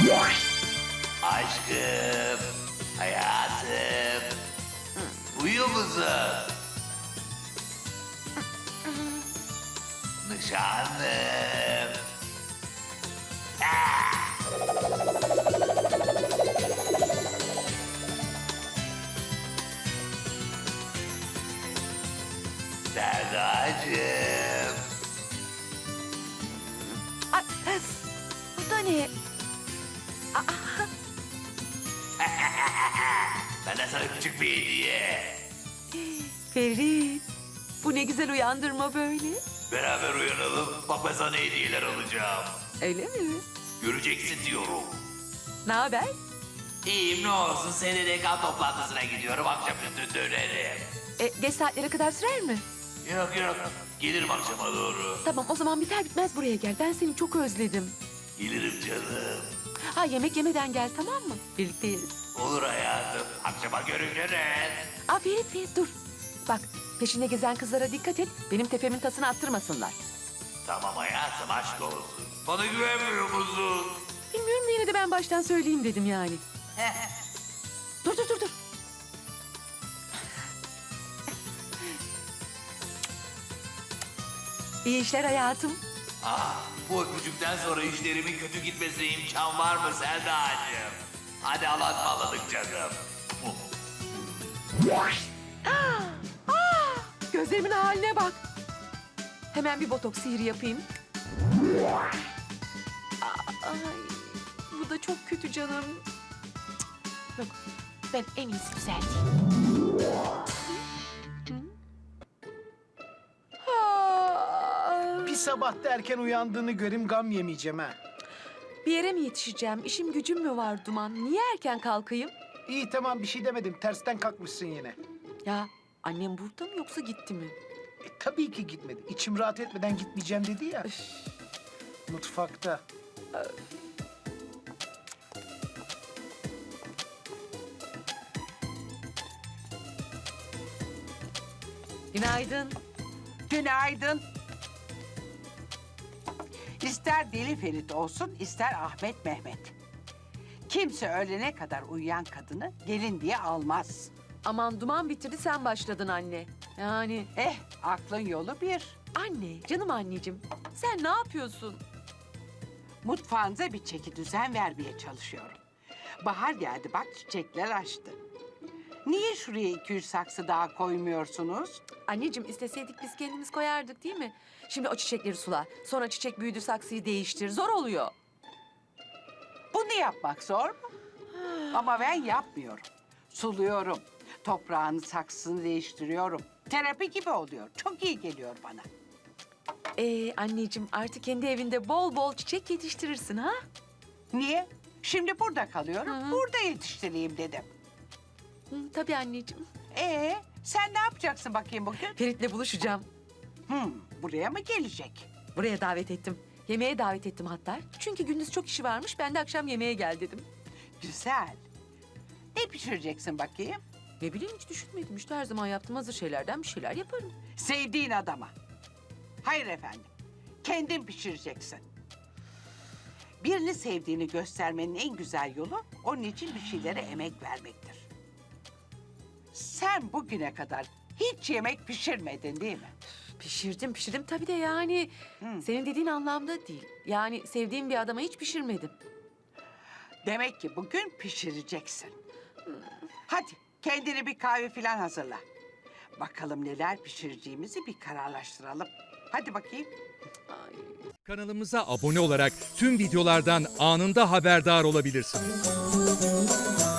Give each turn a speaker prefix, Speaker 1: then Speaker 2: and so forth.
Speaker 1: Aşkım, hayatım. Uyuyor musun? Nişanlım. Serdacığım.
Speaker 2: Ay, bu da ne?
Speaker 1: Benden sana küçük bir hediye.
Speaker 2: Ferit, bu ne güzel uyandırma böyle.
Speaker 1: Beraber uyanalım. Bak ben sana hediyeler alacağım.
Speaker 2: Öyle mi?
Speaker 1: Göreceksin diyorum.
Speaker 2: Ne haber?
Speaker 1: İyiyim ne olsun. SDDK toplantısına gidiyorum. Akşamüstü dönerim.
Speaker 2: Geç saatlere kadar sürer mi?
Speaker 1: Yok yok. Gelirim akşama doğru.
Speaker 2: Tamam, o zaman biter bitmez buraya gel. Ben seni çok özledim.
Speaker 1: Gelirim canım.
Speaker 2: Ha, yemek yemeden gel, tamam mı? Birlikte yeriz.
Speaker 1: Olur hayatım. Akşama görüşürüz.
Speaker 2: Ferit dur. Bak, peşinde gezen kızlara dikkat et. Benim tepemin tasını attırmasınlar.
Speaker 1: Tamam hayatım aşk olsun. Bana güvenmiyor musun?
Speaker 2: Bilmiyorum da yine de ben baştan söyleyeyim dedim yani. Dur. İyi işler hayatım.
Speaker 1: Bu öpücükten sonra işlerimin kötü gitmesine imkan var mı Selda'cığım? Hadi Allah'a canım.
Speaker 2: Gözlerimin haline bak. Hemen bir botoks sihri yapayım. Ay, bu da çok kötü canım. Cık, yok, ben en iyisi düzelteyim.
Speaker 3: Bir sabah da erken uyandığını göreyim, gam yemeyeceğim ha.
Speaker 2: Bir yere mi yetişeceğim? İşim gücüm mü var Duman? Niye erken kalkayım?
Speaker 3: İyi tamam, bir şey demedim. Tersten kalkmışsın yine.
Speaker 2: Ya annem burada mı yoksa gitti mi?
Speaker 3: Tabii ki gitmedi. İçim rahat etmeden gitmeyeceğim dedi ya. Mutfakta.
Speaker 2: Günaydın.
Speaker 4: Günaydın. İster Deli Ferit olsun, ister Ahmet Mehmet. Kimse öğlene kadar uyuyan kadını gelin diye almaz.
Speaker 2: Aman Duman bitirdi, sen başladın anne. Yani
Speaker 4: Aklın yolu bir.
Speaker 2: anne, canım anneciğim. Sen ne yapıyorsun?
Speaker 4: Mutfağınıza bir çeki düzen vermeye çalışıyorum. Bahar geldi, bak çiçekler açtı. Niye şuraya 200 saksı daha koymuyorsunuz?
Speaker 2: Anneciğim, isteseydik biz kendimiz koyardık değil mi? Şimdi o çiçekleri sula. Sonra çiçek büyüdü, saksıyı değiştir. Zor oluyor.
Speaker 4: Bunu yapmak zor mu? Ama ben yapmıyorum. Suluyorum. Toprağını, saksısını değiştiriyorum. Terapi gibi oluyor. Çok iyi geliyor bana.
Speaker 2: Anneciğim, artık kendi evinde bol bol çiçek yetiştirirsin ha?
Speaker 4: Niye? Şimdi burada kalıyorum.
Speaker 2: Hı.
Speaker 4: Burada yetiştireyim dedim.
Speaker 2: Hı, tabii anneciğim.
Speaker 4: Sen ne yapacaksın bakayım bugün?
Speaker 2: Ferit'le buluşacağım.
Speaker 4: Buraya mı gelecek?
Speaker 2: Buraya davet ettim. Yemeğe davet ettim hatta. Çünkü gündüz çok işi varmış. Ben de akşam yemeğe gel dedim.
Speaker 4: Güzel. Ne pişireceksin bakayım?
Speaker 2: Ne bileyim, hiç düşünmedim. İşte her zaman yaptığım hazır şeylerden bir şeyler yaparım.
Speaker 4: Sevdiğin adama. Hayır efendim. Kendin pişireceksin. Birini sevdiğini göstermenin en güzel yolu onun için bir şeylere emek vermektir. Sen bugüne kadar hiç yemek pişirmedin değil mi?
Speaker 2: Pişirdim tabii de yani senin dediğin anlamda değil. Yani sevdiğim bir adama hiç pişirmedim.
Speaker 4: Demek ki bugün pişireceksin. Hadi kendine bir kahve falan hazırla. Bakalım neler pişireceğimizi bir kararlaştıralım. Hadi bakayım.
Speaker 2: Ay.
Speaker 5: Kanalımıza abone olarak tüm videolardan anında haberdar olabilirsiniz.